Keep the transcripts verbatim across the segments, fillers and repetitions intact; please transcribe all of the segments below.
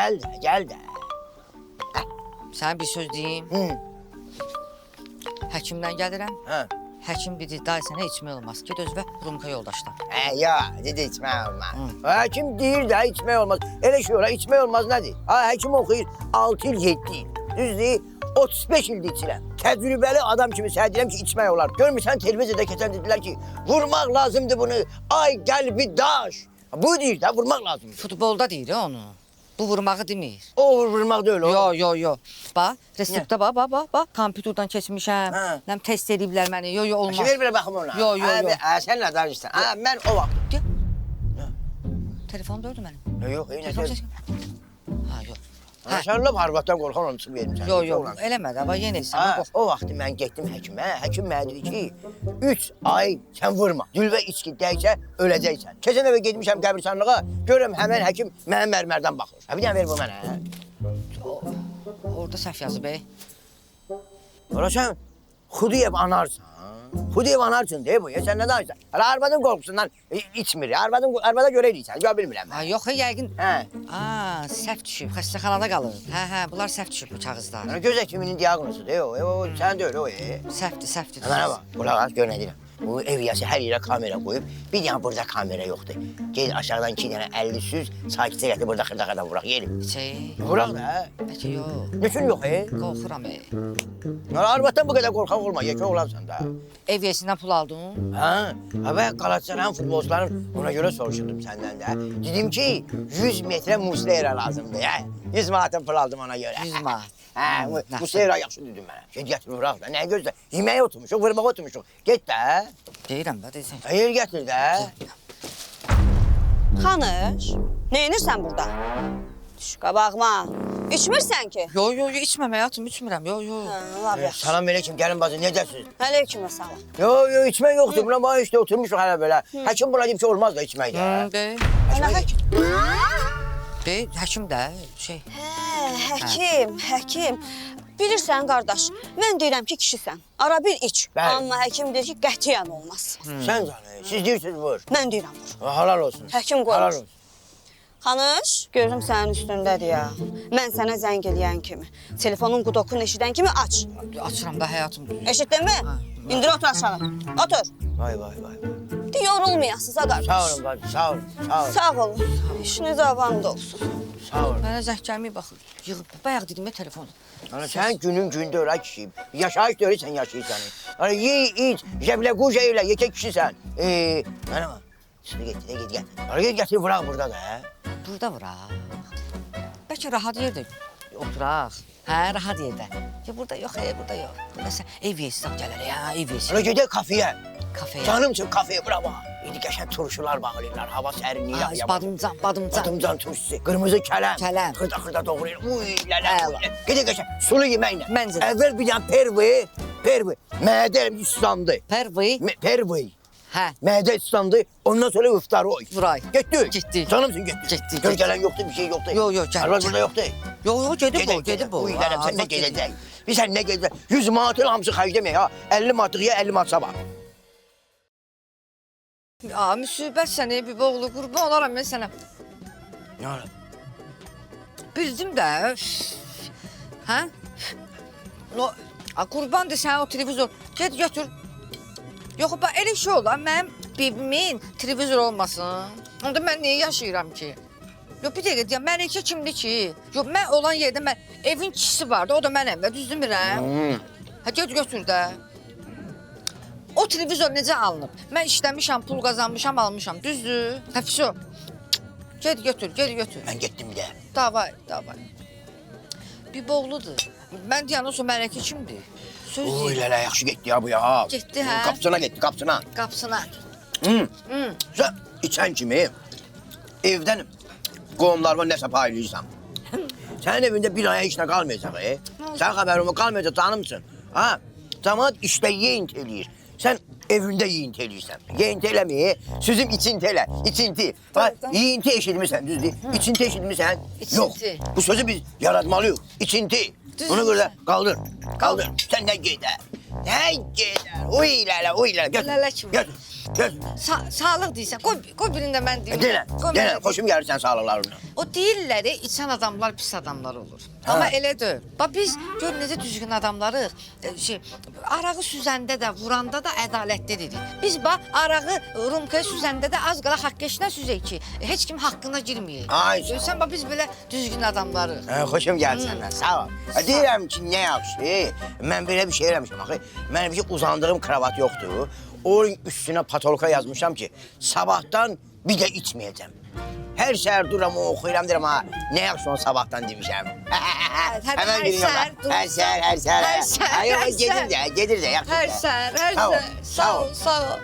gel de, gel de. Sana bir söz diyeyim. Hı. Həkimdən gəlirəm. Ha. Həkim dedi, day sənə içmək olmaz. Get özünə Rumka yoldaşdan. He ya, dedi içmek olmaz. Hekim değil de içmek olmaz. Öyle şey ola, içmek olmaz nedir? Ha, hekim okuyur altı yıl, yedi yıl. Düz değil, otuz beş yılda içirəm. Tecrübeli adam kimi sənə deyirəm ki, içmək olar. Görmürsən, televiziyada keçən dedilər ki, vurmaq lazımdı bunu. Ay, gəl bir daş. Bu deyir də, vurmaq lazımdır. Futbolda deyir onu. Bu vurmağı demir. O vurmaq deyil o. Yo, yo, yo. Bax, reseptdə bax, bax, bax, bax. Kompüterdən keçmişəm. Hə. Nəm test ediblər məni. Yo, yo, olmaz. Ver belə baxım ona. Yo, yo, yo. Ha, sən nə danışsan? Ha, mən o vaxt. Gel. Telefonum dördü mənim. Yox, yox, Telefon eyni səs. Ha, yox. Ha, sən lap arvaddan qorxan onu çıxıb verim sənə. Yo, yo, eləmədi. Amma yenə isə. Ha, o vaxt mən getdim həkimə. Həkim mənə dedi ki, üç ay sən vurma. Dülvə içki dəysə öləcəksən. Keçən dəfə getmişəm qəbirstanlığa, görürəm həmin həkim mənə mərmərdən baxır. Ha, bir dənə ver bu mənə. Orada səhv yazıb, ey. Ola sən Xudiyev anarsan. Xudiyev anarsın deyə bu. Ya sən nə danışsan? Hala arvadın qorxusundan içmir. Arvadın arvada görə eləyirsən. Gör bilmirəm Ha, mən. yox, yəqin. Hə. Aa, səhv düşüb. Xəstəxanada qalır. Hə, hə, bunlar səhv düşüb bu kağızlar. Yəni göz həkiminin diaqnozudur. O, o sən də öyle o. e. Səhvdir, səhvdir. Mənə bax, qulaq as, gör nə deyirəm. Bu ev yası hər yerə kamera qoyub, bir dənə burada kamera yoxdur. Gel aşağıdan iki dənə əlli süz, sakitcə gətir burada xırdaqadan vuraq, yerim. Şey, Vuraq da. bəlkə yox. Nüçün yox, e? Qorxuram, ey. Arvaddan bu qədər qorxaq olma, yekə olansan da. Ev yesindən pul aldın. Ha, ha və Qalatasaray futbolçuların ona görə soruşdum səndən də. Dedim ki, yüz metrə Muslera lazımdır, hə? yüz manatın pul aldım ona görə. yüz manat. Hə, Muslera yaxşı dedim mənə. Get gətir vuraq da, nə gözlə? Yeməyə oturmuşuq, vurmağa oturmuşuq. Get də. Deyirəm də, deyirsən. Hayır gətir də. Xanış, neyinirsən burada? Düş qabağıma. İçmirsən ki? Yo, yo, yo, içməm həyatım, içmirəm. Yo, yo. Hə, laf yaxşı. Salam aleyküm, gəlin bacı, necəsiniz? Aleyküm salam. Yo, yo, içmək yoxdur. Buna bax işte oturmuşuq hələ belə. Həkim buna deyib ki, olmaz da içmək də. Hı, deyil. Ana həkim. Deyil, həkim də, şey. Hə, həkim, həkim. Bilirsən qardaş, mən deyirəm ki, kişisən. Ara bir iç. Bəli. Amma həkim deyir ki, qətiyyən olmaz. Sən canı, siz deyirsiniz vur. Mən deyirəm vur. Halal olsun. Həkim qoymuş. Halal olsun. Xanış, gözüm sənin üstündədir ya. Mən sənə zəng eləyən kimi, telefonun qudokunu eşidən kimi aç. Açıram da həyatım. Eşitdin mi? İndir otur aşağı. Otur. Vay vay vay. De, yorulmayasınız ha qardaş. Sağ olun bacı, sağ olun, sağ olun. Sağ olun. İşiniz avamda olsun. Sağ olun. Mənə zəng gəlməyib baxır. Yığıb, bayaq dedim ya telefonu. Ana sən günün gündə öyrə kişiyim. Yaşayış da öyrə sən yaşayırsan. Ana ye, iç, jəblə quca elə, yekə kişisən. Ee, mənə bax. Şimdi getir, de git, getir. Ana gel getir, vuraq burada da, hə? Burada vuraq. Bəlkə rahat yerdə oturaq. Hə, rahat yerdə. Ya burada yox, e, burada yox. Burada sən ev yesi sağ gələr ya, ev yesi. Ana gedək kafeyə. Kafeyə. Canım üçün kafeyə, bura bax. İndi qəşəng turşular bağlayırlar, hava sərinliyi. Ha, badımcan, badımcan. Badımcan turşusu, qırmızı kələm. Kələm. Xırda xırda doğrayır. Uy, lələ. Əla. Gedək qəşəng, sulu yeməklə. Məncə də. Əvvəl bir dənə pervi, pervi. Mədəm islandı. Pervi. Me- Pervi. Hə. Mədə islandı, ondan sonra iftarı oy. Vuray. Getdik. Getdik. Canımsın getdik. Getdik, Gör getdik. gələn yoxdur, bir şey yoxdur. Yo, yo, gəl, Arvad gəl. burada yoxdur. Yo, yo, gedib o, gedib o. Uy, Ha, lələm, sən nə arvad gedib. gedəcək? Biz sən nə gedəcək? yüz manatın hamısı xərcləməyək ha. əlli manatlıya əlli manat sabah. Aa, müsibət sənə, bir oğlu, qurban olaram mən sənə. Nə olar? Bildim də. üf. Hə? No, a, qurbandır sən o televizor. Get götür. Yox, bax, elə şey olar, mənim bebimin televizor olmasın. Onda mən niyə yaşayıram ki? Yox, bir dəqiqə deyəm, Məlikə kimdir ki? Yox, mən olan yerdə mən, evin kişisi vardı, o da mənəm, düz demirəm. Hmm. Hə, get götür də. O televizor necə alınıb? Mən işləmişəm, pul qazanmışam, almışam, düzdür? Hə, fişo. Get götür, get götür. Mən getdim bir də. Davay, davay. Bir boğludur. Mən deyən o sonra Mələkə kimdir? Söz Uy, deyil. lələ, yaxşı getdi ya bu ya. Getdi, hə? Qapısına getdi, qapısına. Qapısına. Hmm. Hı. Sən içən kimi evdən qohumlarıma nəsə paylayırsan. Sənin evində bir aya işlə qalmayacaq, e? Sən xəbərin qalmayacaq, canımsın. Ha? Camaat işdə yeyint eləyir. Sən evində yeyint eləyirsən. Yeyint eləməyir, sözüm içinti elə, içinti. Bax, yeyinti eşitmirsən, düzdür? İçinti eşitmirsən? İçinti. Yox, bu sözü biz yaratmalıyıq. İçinti. Düz Ona görə deyirsən. qaldır, qaldır. Sən nə gedər? Nə gedər? Uy lələ, uy lələ. Götür, Lələ kimi. götür. Göz. Sa sağlıq deyirsən. Qoy, qoy birində mən deyim. Deyilən, Qoy deyilən. mən Xoşum gəlir sən sağlıqlarına. O deyirlər, içən adamlar pis adamlar olur. Ha. Amma elə deyil. Bax biz gör necə düzgün adamlarıq. E, Şey, arağı süzəndə də, vuranda da ədalətli dedik. Biz bax arağı rumkaya süzəndə də az qala haqq eşinə süzək ki, heç kim haqqına girməyək. Ay, sağ ol. Görsən bax biz belə düzgün adamlarıq. Hə, xoşum gəlir səndən, sağ ol. Hə, deyirəm ki, nə yaxşı. Mən belə bir şey eləmişəm axı. Mənim bir uzandığım kravat yoxdur. Onun üstünə patolka yazmışam ki, sabahdan bir də içməyəcəm. Hər səhər duram, oxuyuram, deyirəm ha, nə yaxşı onu sabahdan demişəm. hər Həmən günü yox. səhər durursan. Hər səhər, hər səhər. Hər səhər, Ay, yox, hər gedir səhər. də, gedir də, yaxşı. Hər səhər, hər Sağ ol, səhər. Sağ ol, sağ ol.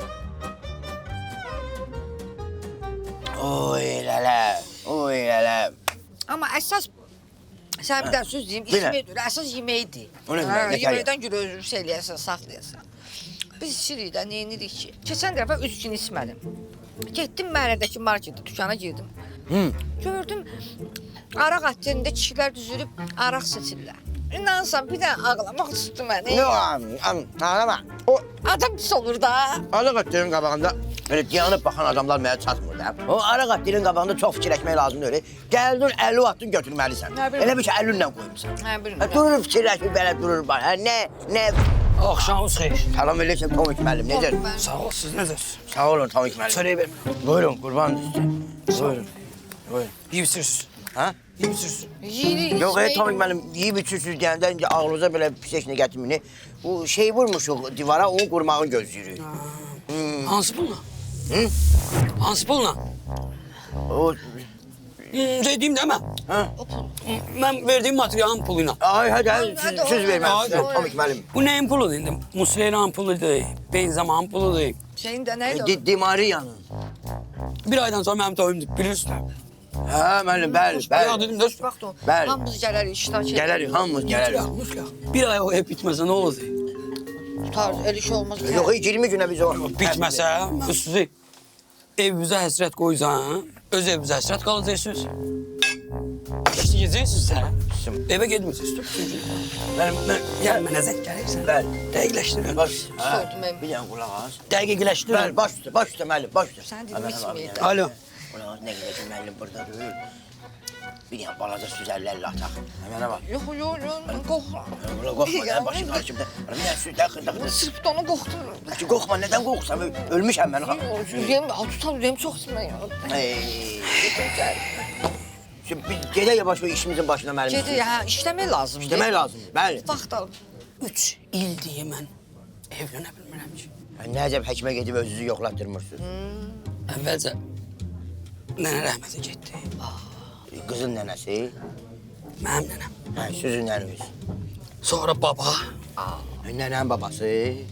Oy lələ, oy lələ. Amma əsas sən bir dənə söz deyim, Bilən. içmək deyil, əsas yeməkdir. O nə Hə, demək, nə yeməkdən görə özür eləyəsən, saxlayasan. Biz içirik də, nə edirik ki? Keçən dəfə üç gün içmədim. Getdim məhəllədəki marketə, dükana girdim. Hı. Gördüm, araq atlarında kişilər düzülüb araq seçirlər. İnansan bir dənə ağlamaq tutdu məni. Yox, am, am, ağlama. O Adam pis olur da. araq atların qabağında belə dayanıb baxan adamlar mənə çatmır da. O araq atların qabağında çox fikirləşmək lazımdır öyle. Gəldin əlli atdın götürməlisən. Nə bilim. Elə bir ki əllinlə qoymusan. Hə, Ha, bilmirəm. durur fikirləşir belə durur bana. Ha, nə, nə? Axşamınız xeyir. Salam əleykum Tomik müəllim, necə? Sağ ol, siz necəsiniz? Sağ olun Tomik müəllim. Çörək vermirəm. Buyurun, qurban sizə. Buyurun. Buyurun. Yiyibsiz. Ha? Yiyibsiz. Yeyirik, Yox, ey içmək- Tomik müəllim, yeyib içirsiniz deyəndə incə ağlınıza belə pis heç nə gətirmini. Bu şey vurmuşuq divara, onu qurmağını gözləyirik. Hansı pulla? Hı? Hansı pulla? O, Hmm, Dediyim demə. ha? Mən verdiyim materialın puluyla. Ay, hadi, hadi, Hadi, siz, hadi, siz verməm hadi. sizə Tomik müəllim. Bu nəyin puludur indi? Musleyran puludur, benzaman puludur. Şeyin də nə idi? Di, Dimariyanın. Bir aydan sonra mənim toyumdur, bilirsiniz. Hə, müəllim, bəli, Ya bəli. dedim, dost. Vaxt o. Bəli. Hamımız gələrik, iştirak edirik. Gələrik, hamımız gələrik. Muslaq, muslaq. Bir ay o ev bitməsə nə olacaq? Tutar, el iş olmaz. Yox, iyirmi günə biz o... Bitməsə, mən sizi evimizə həsrət qoyacağım, öz evimizə həsrət qalacaqsınız. İşləyəcəksiniz sən. Evə getməyəcəksiniz. Mən, mən, gəl mənə zəng gəlirsən. Bəli. Dəqiqləşdirin. Baş, hə, Soydum mən. bir dənə qulaq az. Dəqiqləşdirin. Bəli, baş üstə, baş üstə müəllim, baş üstə. Sən dedim, Əmən, içməyək əmən, də. Alo. Qulaq az, nə qədər ki, müəllim burada deyil. Bir dənə balaca süzərlərlə ataq. Həmənə bax. Yox, yox, yox, qorxma. Qulaq qorxma, nə başım qarşımda. Bir dənə süzlər xırda-xırda. Sırf da onu qorxdum. Ki, qorxma, nədən qorxsam? Ölmüşəm mən. Ürəyim, tutar, ürəyim çox sıxmıyor. Ey, Şimdi biz gedək yavaş o işimizin başına müəllim. Gedi, hə, işləmək lazımdır. İşləmək lazımdır, bəli. Vaxt al. Üç il deyə mən evlənə bilmirəm ki. Nəcəb həkimə gedib özünüzü yoxlatdırmırsınız. Əvvəlcə nənə rəhmətə getdi. Qızın nənəsi, Mənim nənəm. hə, sizin nənəniz. Sonra baba, Nənənin babası,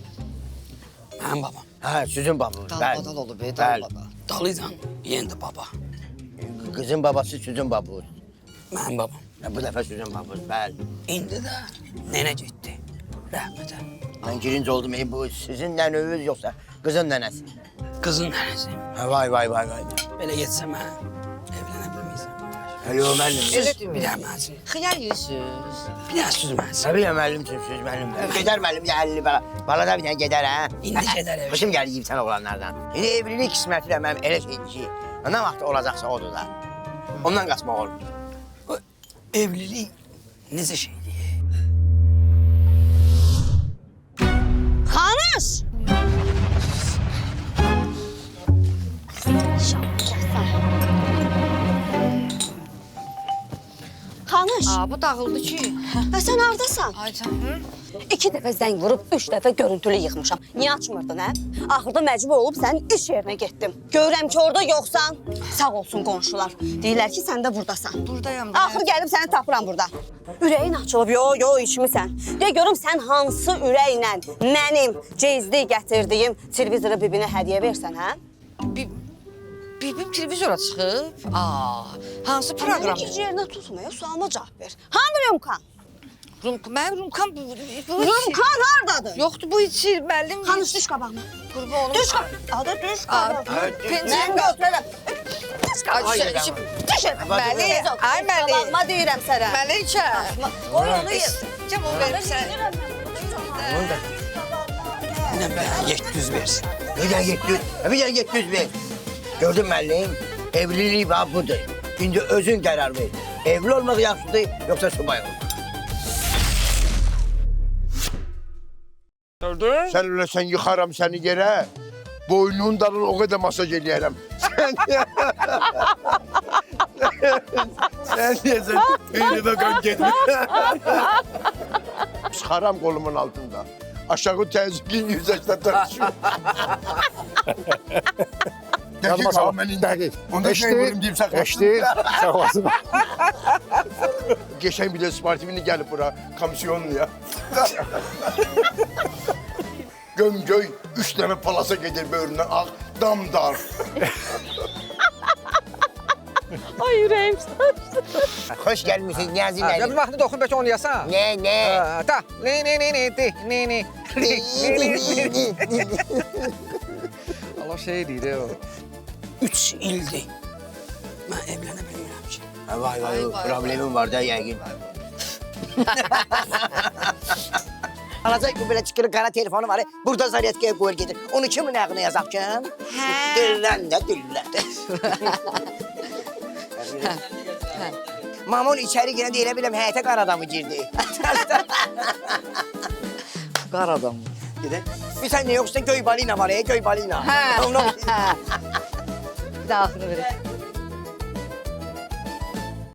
mənim babam. hə, sizin babanız, bəli. Dalbadal olub, e, Bəli. dalbadal. Dalıcan, yenə də baba. Qızın babası sizin babanız. Mənim babam. Hə, bu dəfə sizin babanız, bəli. İndi də nənə getdi. Rəhmətə. Mən girinci oldum, ey, bu sizin nənəniz yoxsa qızın nənəsi. Qızın nənəsi. Hə, vay, vay, vay, vay. Belə getsə mən evlənə bilməyəcəm. Hələ o müəllim. Elə Bir demir. dənə mənsin. Xiyar yiyirsiniz. Bir dənə süz mənsin. Nə bileyim müəllimsin, siz müəllim. Gedər müəllim, gəlli bala. Bala da bir dənə gedər, hə? İndi gedər evə. Başım gəlir yiyib sən oğlanlardan. İndi evlilik qisməti də mənim elə şeydir ki, nə vaxt olacaqsa odur da. Ondan qaçmaq olmur. O evlilik necə şeydir? Xanış! Xanış, Aa, bu dağıldı ki. və sən hardasan? Ay canım. İki dəfə zəng vurub, üç dəfə görüntülü yıxmışam. Niyə açmırdın, hə? Axırda məcbur olub sənin iş yerinə getdim. Görürəm ki, orada yoxsan. Sağ olsun qonşular. Deyirlər ki, sən də burdasan. Buradayam da. Axır gəlib səni tapıram burada. Ürəyin açılıb, yo, yo, içmisən. De görüm sən hansı ürəklə mənim cezli gətirdiyim televizoru bibinə hədiyyə versən, hə? Bir, bibim televizora çıxıb. Aa, hansı proqram? Məni iş yerinə tutmaya sualıma cavab ver. Hanı Rümkan? Rumka, mənim rumkam bu. bu Rümkan hardadır? Yoxdur bu içir müəllim. Xanış düş qabağıma. Qurban olum. Düş qabağıma. Adı düş Aa, qabağıma. pencere Mən götürərəm. Düş qabağıma. Ay, Ay, şey, Düş. Məli, ay Məli. Qabağıma deyirəm sənə. Məlikə. Qoy onu yer. Cəm o verim sən. Mənə bir yeddi yüz versin. Bir tane yedi yüz, bir tane yedi yüz ver. Gördün müəllim? Evlilik bax budur. Şimdi özün qərar ver. Evli olmaq yaxşıdır, yoxsa subay olmaq? Gördün? Sen öyle sen yıkarım seni yere. Boynun darın o kadar masaj eləyərəm. Sen sen niye sen beynime kan geldi. Sıxaram kolumun altında. Aşağı təzyiqin yüzəşdə tartışıyor. Dəqiq sağ mənin dəqiq. Onda şey bölüm deyim sakın. Eşdi, sağ olasın. Geçen bile sportifini gelip bura komisyonlu ya. Gömgöy üç tane palasa gelir böğründen al damdar. Ay ürəyim. Hoş gelmişsin Niyazi Gəlin müəllim. vaxtı dokun bəlkə oynayasan. Ne ne? Ha, Ta, ne ne ne ne de, ne ne. Allah şey deyir o. Üç ildir. Mən evlənə bilmirəm ki. Ha, Vay vay, Vay, vay, problemim var da yəqin. Alacaq ki, belə çıxırı qara telefonu var, burada zaryatkaya qoyur gedir. Onu kimin ağına yazaq ki? Hə. Dillən də, dillən də. Mamon içəri girəndə elə biləm həyətə qar adamı girdi. Qar adam. Gedək. Bir tane yoksa göy balina var ya, göy balina. Hə. Onu- Hə. Bir də axırı verək.